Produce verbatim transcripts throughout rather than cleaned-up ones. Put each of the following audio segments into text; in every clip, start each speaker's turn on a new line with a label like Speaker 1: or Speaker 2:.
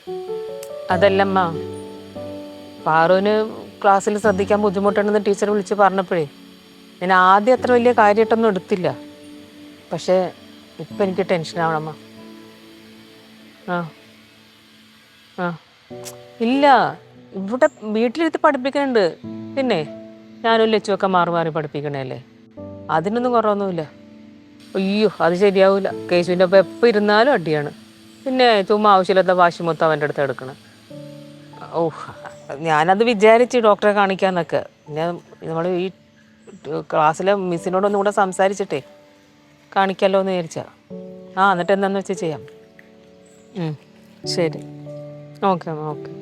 Speaker 1: അതല്ലമ്മ, പാറുവിന് ക്ലാസ്സിൽ ശ്രദ്ധിക്കാൻ ബുദ്ധിമുട്ടുണ്ടെന്ന് ടീച്ചർ വിളിച്ച് പറഞ്ഞപ്പോഴേ ഞാൻ ആദ്യം അത്ര വലിയ കാര്യമായിട്ടൊന്നും എടുത്തില്ല. പക്ഷേ ഇപ്പം എനിക്ക് ടെൻഷനാവണമ്മ. ആ ആ ഇല്ല, ഇവിടെ വീട്ടിലിരുത്തി പഠിപ്പിക്കുന്നുണ്ട്. പിന്നെ ഞാനും ലച്ചുവൊക്കെ മാറി മാറി പഠിപ്പിക്കണല്ലേ, അതിനൊന്നും കുറവൊന്നുമില്ല. അയ്യോ അത് ശരിയാവില്ല. കേശുവിൻ്റെ ഒപ്പം എപ്പോൾ ഇരുന്നാലും അടിയാണ്. പിന്നെ ചുമ്മാ ആവശ്യമില്ലാത്ത വാശി മൊത്തം അവൻ്റെ അടുത്ത് എടുക്കണം. ഓ, ഞാനത് വിചാരിച്ച് ഡോക്ടറെ കാണിക്കാന്നൊക്കെ. പിന്നെ നമ്മൾ ഈ ക്ലാസ്സിലെ മിസ്സിനോടൊന്നും കൂടെ സംസാരിച്ചിട്ടേ കാണിക്കാമല്ലോ എന്ന് വിചാരിച്ചാ. ആ എന്നിട്ട് എന്താന്ന് വെച്ചാൽ ചെയ്യാം. ശരി, ഓക്കെ അമ്മ, ഓക്കെ.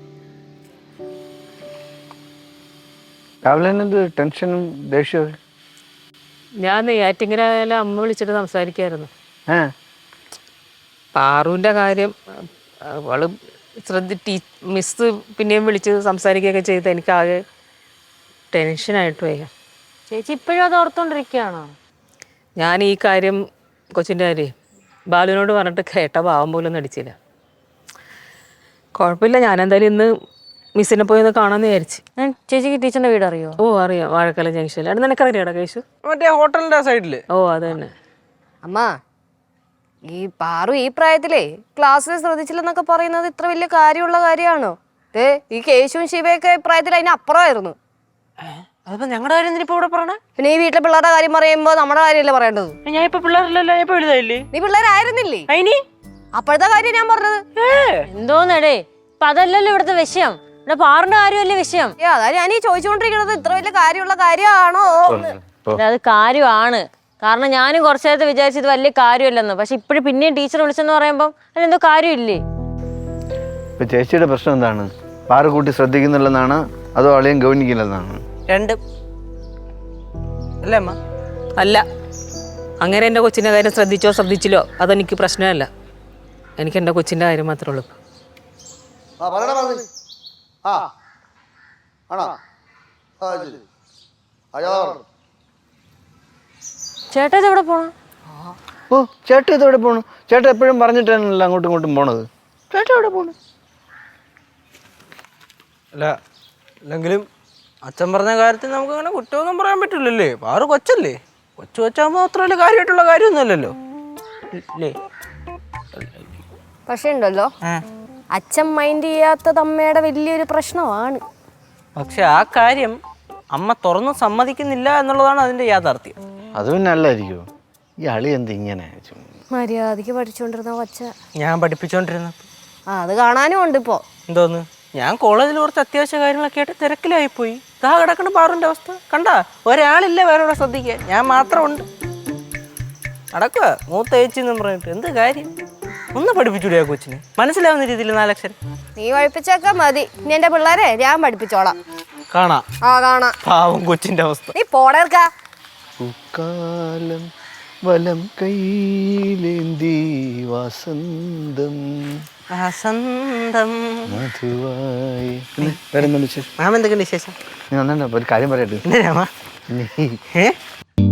Speaker 2: രാവിലെ എന്ത് ടെൻഷനും ദേഷ്യവും?
Speaker 1: ഞാൻ നെയ്യാറ്റിങ്ങര അമ്മ വിളിച്ചിട്ട് സംസാരിക്കായിരുന്നു. പാറുവിൻ്റെ കാര്യം അവള് ശ്രദ്ധ ടീ മിസ് പിന്നെയും വിളിച്ച് സംസാരിക്കുകയൊക്കെ ചെയ്ത് എനിക്കാകെ ടെൻഷനായിട്ട് വയ്യ.
Speaker 3: ചേച്ചി ഇപ്പോഴും അത് ഓർത്തോണ്ടിരിക്കുകയാണോ?
Speaker 1: ഞാൻ ഈ കാര്യം കൊച്ചിൻ്റെ കാര്യം ബാലുവിനോട് പറഞ്ഞിട്ട് കേട്ട പാവം പോലും നടിച്ചില്ല. കുഴപ്പമില്ല, ഞാനെന്തായാലും ഇന്ന് മിസ്സിനെ പോയി ഒന്ന് കാണാമെന്ന് വിചാരിച്ച്.
Speaker 3: ചേച്ചിക്ക് ടീച്ചറിന്റെ വീട് അറിയോ?
Speaker 1: ഓ അറിയാം, വാഴക്കല ജംഗ്ഷനിൽ. അവിടെ നിനക്കറിയാടാ കേശു?
Speaker 4: മറ്റേ ഹോട്ടലിന്റെ സൈഡില്.
Speaker 1: ഓ അത് തന്നെ.
Speaker 3: അമ്മ, ഈ പാറു ഈ പ്രായത്തിലേ ക്ലാസ്സിൽ ശ്രദ്ധിച്ചില്ലെന്നൊക്കെ പറയുന്നത് ഇത്ര വലിയ കാര്യമുള്ള കാര്യമാണോ? ഏ ഈ കേശുവും ശിവയൊക്കെ പ്രായത്തിൽ അതിന് അപ്പുറമായിരുന്നു.
Speaker 4: അതിപ്പോ ഞങ്ങളുടെ കാര്യം എന്തിനാ ഇപ്പൊ ഇവിടെ പറയണേ?
Speaker 3: പിന്നെ ഈ വീട്ടിലെ പിള്ളേരുടെ കാര്യം പറയുമ്പോ നമ്മുടെ കാര്യമല്ലേ പറയേണ്ടത്?
Speaker 4: ഞാൻ ഇപ്പൊ പിള്ളേരല്ലല്ലോ, ഞാൻ ഇപ്പൊ വലുതായില്ലേ?
Speaker 3: നീ പിള്ളേരായിരുന്നില്ലേ?
Speaker 4: അയിനി
Speaker 3: അപ്പോഴത്തെ കാര്യം ഞാൻ പറഞ്ഞത്.
Speaker 5: എന്തോന്നടേ, ഇപ്പൊ അതല്ലല്ലോ ഇവിടുത്തെ വിഷയം. ഇവിടെ പാറിന്റെ കാര്യമല്ലേ വിഷയം.
Speaker 3: ഏ അതാ ഞാൻ ഈ ചോദിച്ചുകൊണ്ടിരിക്കുന്നത്, ഇത്ര വലിയ കാര്യമുള്ള കാര്യമാണോ?
Speaker 5: അത് കാര്യമാണ്. കാരണം ഞാനും കുറച്ചു നേരത്തെ വിചാരിച്ചത് വലിയ കാര്യമല്ലെന്ന്. പക്ഷെ ഇപ്പോഴും പിന്നെയും ടീച്ചർ വിളിച്ചെന്ന് പറയുമ്പം അതിലെന്തോ കാര്യമില്ലേ?
Speaker 2: ഇപ്പൊ ചേച്ചിയുടെ പ്രശ്നം എന്താണ്? പാറ കൂട്ടി ശ്രദ്ധിക്കുന്നില്ലെന്നാണ് അതോ അളിയും ഗവനിക്കില്ലെന്നാണ്?
Speaker 4: രണ്ടും അല്ലേ അമ്മ?
Speaker 1: അല്ല, അങ്ങനെ എൻ്റെ കൊച്ചിൻ്റെ കാര്യം ശ്രദ്ധിച്ചോ ശ്രദ്ധിച്ചില്ലോ അതെനിക്ക് പ്രശ്നമല്ല. എനിക്ക് എൻ്റെ കൊച്ചിൻ്റെ കാര്യം മാത്രമേ ഉള്ളൂ.
Speaker 3: ചേട്ടാ ഇത് എവിടെ പോണു?
Speaker 2: ഓ ചേട്ടൻ ഇതെവിടെ പോണു? ചേട്ടൻ എപ്പോഴും പറഞ്ഞിട്ടാണല്ലോ അങ്ങോട്ടും ഇങ്ങോട്ടും പോണത്. ചേട്ടൻ എവിടെ പോണു?
Speaker 4: അല്ല, അല്ലെങ്കിലും അച്ഛൻ പറഞ്ഞ കാര്യത്തിൽ നമുക്ക് അങ്ങനെ കുറ്റമൊന്നും പറയാൻ പറ്റില്ലല്ലേ. പാറു കൊച്ചല്ലേ, കൊച്ചു കൊച്ചാകുമ്പോ അത്ര വലിയ കാര്യമായിട്ടുള്ള കാര്യമൊന്നുമല്ലല്ലോ അല്ലേ?
Speaker 3: പക്ഷെ ഉണ്ടല്ലോ, അച്ഛൻ മൈൻഡ് ചെയ്യാത്തത് അമ്മയുടെ വലിയൊരു പ്രശ്നമാണ്.
Speaker 4: പക്ഷെ ആ കാര്യം അമ്മ തുറന്ന് സമ്മതിക്കുന്നില്ല എന്നുള്ളതാണ് അതിന്റെ യാഥാർത്ഥ്യം.
Speaker 2: അത് പിന്നെ അല്ലായിരിക്കുമോ? ഈ അളി എന്ത് ഇങ്ങനെ?
Speaker 3: മര്യാദക്ക് പഠിച്ചുകൊണ്ടിരുന്ന കൊച്ച
Speaker 4: ഞാൻ പഠിപ്പിച്ചോണ്ടിരുന്നപ്പോ
Speaker 3: ആ അത് കാണാനും ഉണ്ട് ഇപ്പോ.
Speaker 4: എന്തോന്ന്, ഞാൻ കോളേജിൽ കുറച്ച് അത്യാവശ്യ കാര്യങ്ങളൊക്കെ ആയിട്ട് തിരക്കിലായിപ്പോയി. ഇതാ കിടക്കണ പാറുന്റെ അവസ്ഥ കണ്ടാ. ഒരാളില്ല വേറെ ശ്രദ്ധിക്കാൻ, ഞാൻ മാത്രമുണ്ട്. നടക്കുക മൂത്ത ചേച്ചി എന്ന് പറഞ്ഞിട്ട് എന്ത് കാര്യം? ഒന്ന് പഠിപ്പിച്ചൂടെ ആ കൊച്ചിന്? മനസ്സിലാവുന്ന രീതിയിൽ നാലക്ഷരം
Speaker 3: നീ പഠിപ്പിച്ചൊക്കെ മതി. ഇനി എന്റെ പിള്ളേരെ ഞാൻ പഠിപ്പിച്ചോളാം.
Speaker 4: കാണാ
Speaker 3: ആ കാണാ.
Speaker 4: പാവം കൊച്ചിന്റെ അവസ്ഥ.
Speaker 3: നീ പോടേർക്കാ.
Speaker 2: പൂക്കാലം വലം കൈയിലേന്തി വസന്തം
Speaker 4: വസന്തം
Speaker 2: മധുവായി. വേറെന്താ വിശേഷം?
Speaker 4: മാമ എന്തൊക്കെയുണ്ട് വിശേഷം?
Speaker 2: ഞാൻ ഒരു കാര്യം പറയട്ടെ.
Speaker 4: എന്തിനാ?
Speaker 2: നീ
Speaker 4: ഏ